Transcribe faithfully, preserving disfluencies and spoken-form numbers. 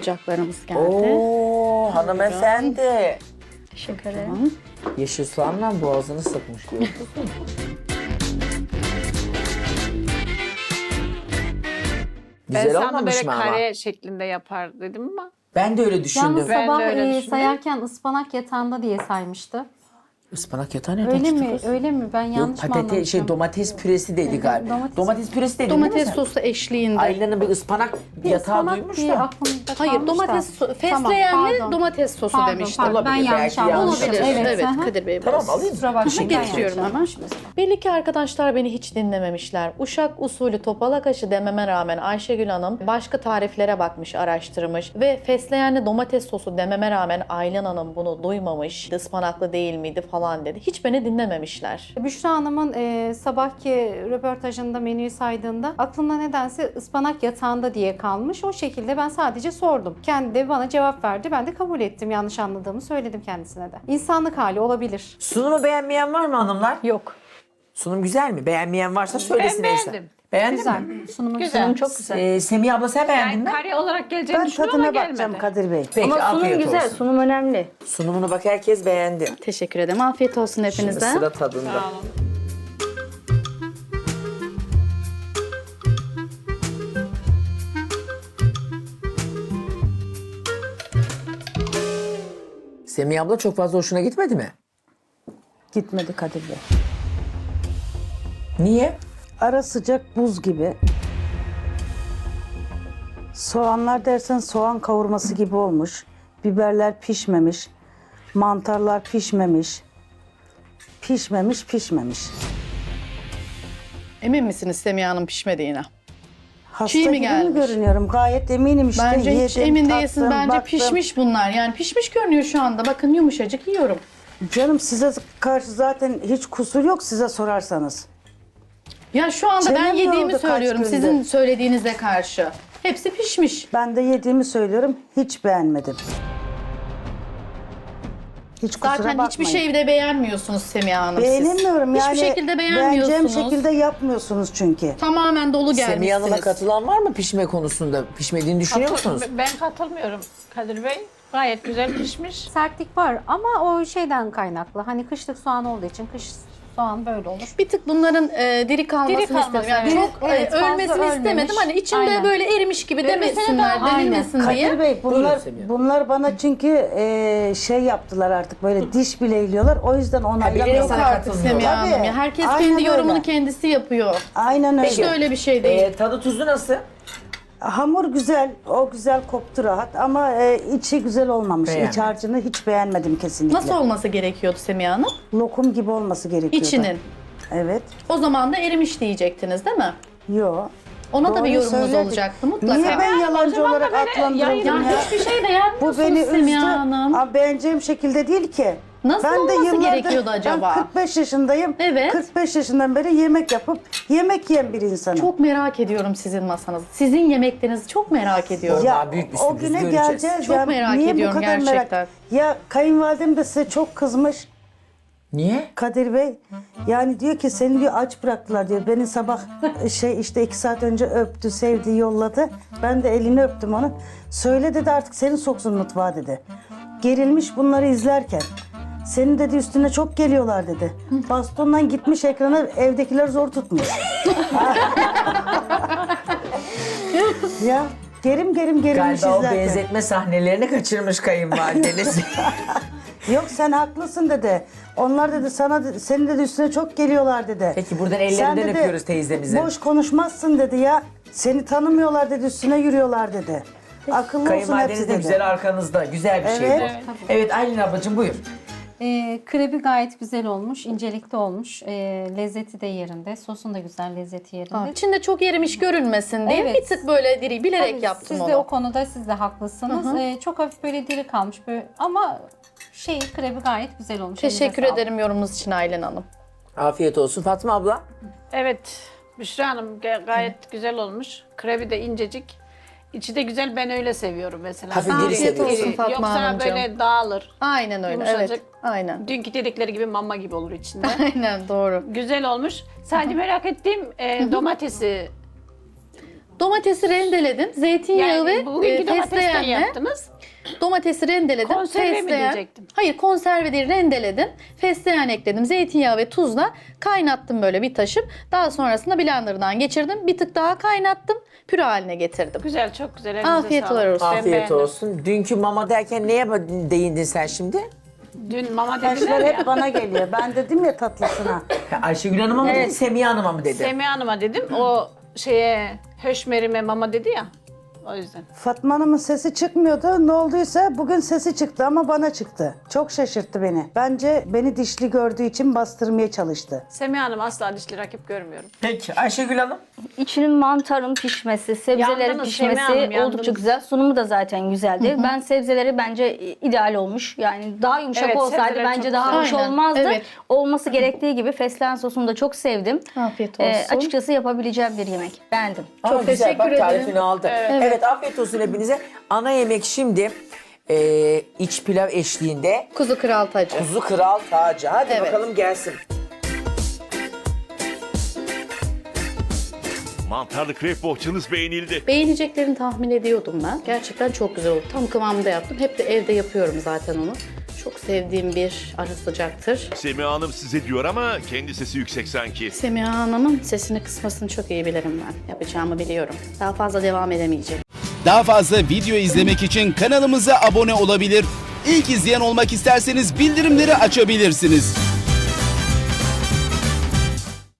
sıcaklarımız geldi. Oo hanımefendi. Teşekkür ederim. Yeşil soğanla boğazını sıkmış gördünüz mü? Ben Güzel sandım olmamış böyle mı ama? kare şeklinde yapar dedim ama. Ben de öyle düşündüm. Yalnız Ben de sabah öyle e, düşündüm. sayarken ıspanak yatağında diye saymıştı. Ispanak yatağı nereden Öyle çıktı mi? kız? Öyle mi? Ben Yok yanlış mı patates şey anlamışım? domates püresi dedi galiba. domates- Domates, püresi dedin değil mi Domates sen? sosu eşliğinde. Aylin'in bir ıspanak Bir yatağı ıspanak duymuş diye da. aklımda Hayır, kalmış domates da. so Tamam, fesleğenli pardon. domates sosu Pardon, demiştim. pardon. Ben Olabilir, yanlış belki anlamışım. yanlış Olabilir. Evet, Evet, aha. Kadir Bey. Tamam biraz. alayım. Kusura bakmayın. ben Geçiyorum yanlış hemen. anlamışım. Belli ki arkadaşlar beni hiç dinlememişler. Uşak usulü topalak aşı dememe rağmen Ayşegül Hanım başka tariflere bakmış, araştırmış ve fesleğenli domates sosu dememe rağmen Aylin Hanım bunu duymamış, ıspanaklı değil miydi falan dedi. Hiç beni dinlememişler. Büşra Hanım'ın e, sabahki röportajında menüyü saydığında aklımda nedense ıspanak yatağında diye kalmış. O şekilde ben sadece sordum. Kendi de bana cevap verdi. Ben de kabul ettim. Yanlış anladığımı söyledim kendisine de. İnsanlık hali olabilir. Sunumu beğenmeyen var mı hanımlar? Yok. Sunum güzel mi? Beğenmeyen varsa söylesin Ben Eysen. beğendim. Beğendin Güzel. mi? Sunumu Güzel. güzel. Çok güzel. Ee, Semih abla sen beğendin Yani mi? kare olarak geleceğini Ben düşünüyorum ama tadına bakacağım gelmedi. Kadir Bey. Peki Ama sunum afiyet güzel, olsun. sunum önemli. Sunumunu bak herkes beğendi. Teşekkür ederim. Afiyet olsun Şimdi hepinize. sıra tadında. Sağ olun. Semih abla çok fazla hoşuna gitmedi mi? Gitmedi Kadir Bey. Niye? Ara sıcak buz gibi. Soğanlar dersen soğan kavurması gibi olmuş. Biberler pişmemiş. Mantarlar pişmemiş. Pişmemiş, pişmemiş. Emin misiniz Semiha Hanım pişmediğine? Hasta Çiğ mi gibi gelmiş? mi görünüyorum? Gayet eminim işte. Bence hiç Yedim, emin değilsin. tattım, Bence baktım. pişmiş bunlar. Yani pişmiş görünüyor şu anda. Bakın yumuşacık yiyorum. Canım size karşı zaten hiç kusur yok size sorarsanız. Ya şu anda ben Çenem yediğimi yoruldu kaç söylüyorum gündür. sizin söylediğinize karşı. Hepsi pişmiş. Ben de yediğimi söylüyorum. Hiç beğenmedim. Hiç kusura Zaten bakmayın. hiçbir şeyi de beğenmiyorsunuz Semiha Hanım siz. Beğenemiyorum yani. Hiçbir şekilde Beğeneceğim beğenmiyorsunuz. şekilde yapmıyorsunuz çünkü. Tamamen dolu Semih Hanım'a gelmişsiniz. katılan var mı pişme konusunda? Pişmediğini düşünüyor musunuz? Ben katılmıyorum Kadir Bey. Gayet güzel pişmiş. Sertlik var ama o şeyden kaynaklı. Hani kışlık soğan olduğu için kış soğan böyle olur. Bir tık bunların e, diri kalmasını Diri kalması, istedim. Yani evet. çok Evet, e, fazla ölmesini ölmemiş. istemedim. Hani içinde Aynen. böyle erimiş gibi demesinler, Aynen. denilmesin diye. Kadir Bey bunlar Buyurun Semih Hanım. bunlar bana çünkü e, şey yaptılar artık böyle diş bileyliyorlar. O yüzden bilerek onaylamıyorum. sana Yok artık katılmıyorlar. Semiha Hanım Tabii. ya. Herkes Aynen kendi yorumunu öyle. kendisi yapıyor. Aynen öyle. Hiç de öyle bir şey değil. Ee, tadı tuzu nasıl? Hamur güzel, o güzel koptu rahat ama e, içi güzel olmamış. Beğenmedim. İç harcını hiç beğenmedim kesinlikle. Nasıl olması gerekiyordu Semiha Hanım? Lokum gibi olması gerekiyordu. İçinin. Evet. O zaman da erimiş diyecektiniz değil mi? Yo. Ona da Doğru bir yorumunuz söyledik. olacaktı mutlaka. Niye ben yalancı zaman da olarak böyle adlandırıldım yayın- ya? Ya hiçbir şey Bu beğenmiyorsunuz beni üzdü. Semiha Hanım. Ama beğeneceğim şekilde değil ki. Nasıl ben de olması yıllardır- gerekiyordu acaba? Ben kırk beş yaşındayım. Evet. kırk beş yaşından beri yemek yapıp yemek yiyen bir insanım. Çok merak ediyorum sizin masanızı. Sizin yemeklerinizi çok merak ediyorum. Ya, büyük bir o sürpriz güne göreceğiz. geleceğiz. Çok ya. merak Niye bu ediyorum kadar gerçekten. Merak? Ya kayınvalidem de size çok kızmış. Niye? Kadir Bey yani diyor ki seni diyor aç bıraktılar diyor. Beni sabah şey işte iki saat önce öptü, sevdi, yolladı. Ben de elini öptüm onu. Söyle dedi artık seni soksun mutfağa dedi. Gerilmiş bunları izlerken. Senin dedi üstüne çok geliyorlar dedi. Bastondan gitmiş ekrana evdekiler zor tutmuş. Ya gerim gerim gerilmiş Galiba o izlerken. benzetme sahnelerini kaçırmış kayınvalideniz. Yok sen haklısın dedi. Onlar dedi sana dedi, senin dedi üstüne çok geliyorlar dedi. Peki buradan Sen ellerinden dedi, öpüyoruz teyzemizi. Boş konuşmazsın dedi ya. Seni tanımıyorlar dedi üstüne yürüyorlar dedi. Akıllı olsun hepsi Kayınvalideniz de dedi. güzel arkanızda. Güzel bir şey bu. Evet. Evet Aylin ablacığım buyur. Ee, krebi gayet güzel olmuş, incelikli olmuş. Ee, lezzeti de yerinde, sosun da güzel, lezzeti yerinde. İçinde çok erimiş görünmesin diye Evet. bir tık böyle diri bilerek Tabii yaptım siz onu. de o konuda siz de haklısınız. Ee, çok hafif böyle diri kalmış böyle ama şey krebi gayet güzel olmuş. Teşekkür Elinize ederim yorumunuz için Aylin Hanım. Afiyet olsun. Fatma abla. Evet. Büşra Hanım ga- gayet güzel olmuş. Krebi de incecik. İçi de güzel. Ben öyle seviyorum mesela. Hafif diri Afiyet seviyorsun. olsun Fatma Yoksa Hanımcığım. böyle dağılır. Aynen öyle Yumuşacık. evet. Aynen. Dünkü dedikleri gibi mama gibi olur içinde. Aynen doğru. Güzel olmuş. Sadece merak ettiğim e, domatesi Domatesi rendeledim. Zeytinyağı Yani ve bugünkü e, domatesten fesleğenle yaptınız. domatesi rendeledim. Konserve mi Fesleğen- diyecektim? Hayır, konserve değil, rendeledim. Fesleğen ekledim. Zeytinyağı ve tuzla kaynattım böyle bir taşıp. Daha sonrasında blenderdan geçirdim. Bir tık daha kaynattım. Püre haline getirdim. Güzel, çok güzel. Elinize Afiyetler sağlık. olsun. Ben Afiyet beğendim. olsun. Dünkü mama derken neye ba- değindin sen şimdi? Dün mama dediler Taşlar ya. hep bana geliyor. Ben dedim ya tatlısına. Ha, Ayşegül Hanım'a mı dedin, Semiha Hanım'a mı dedin? Semih Hanım'a dedim. O şeye höşmerime mama dedi ya. O yüzden. Fatma Hanım'ın sesi çıkmıyordu. Ne olduysa bugün sesi çıktı ama bana çıktı. Çok şaşırttı beni. Bence beni dişli gördüğü için bastırmaya çalıştı. Semih Hanım asla dişli rakip görmüyorum. Peki Ayşegül Hanım? İçinin mantarın pişmesi, sebzelerin Yandınız Semih pişmesi Hanım, yandınız. oldukça güzel. Sunumu da zaten güzeldi. Ben sebzeleri bence ideal olmuş. Yani daha yumuşak Evet, olsaydı sebzeler bence çok daha güzel. hoş Aynen, olmazdı. evet. Olması gerektiği gibi fesleğen sosunu da çok sevdim. Afiyet Ee, olsun. açıkçası yapabileceğim bir yemek. Beğendim. Aa, Çok güzel, teşekkür bak, ederim. tarifini aldı. Evet. afiyet olsun hepinize. Ana yemek şimdi e, iç pilav eşliğinde Kuzu kral tacı. kuzu kral tacı. Hadi Evet. bakalım gelsin. Mantarlı krep bohçanız beğenildi. Beğeneceklerini tahmin ediyordum ben. Gerçekten çok güzel oldu. Tam kıvamında yaptım. Hep de evde yapıyorum zaten onu. Çok sevdiğim bir ara sıcaktır. Semiha Hanım size diyor ama kendi sesi yüksek sanki. Semiha Hanım'ın sesini kısmasını çok iyi bilirim ben. Yapacağımı biliyorum. Daha fazla devam edemeyecek. Daha fazla video izlemek için kanalımıza abone olabilir. İlk izleyen olmak isterseniz bildirimleri açabilirsiniz.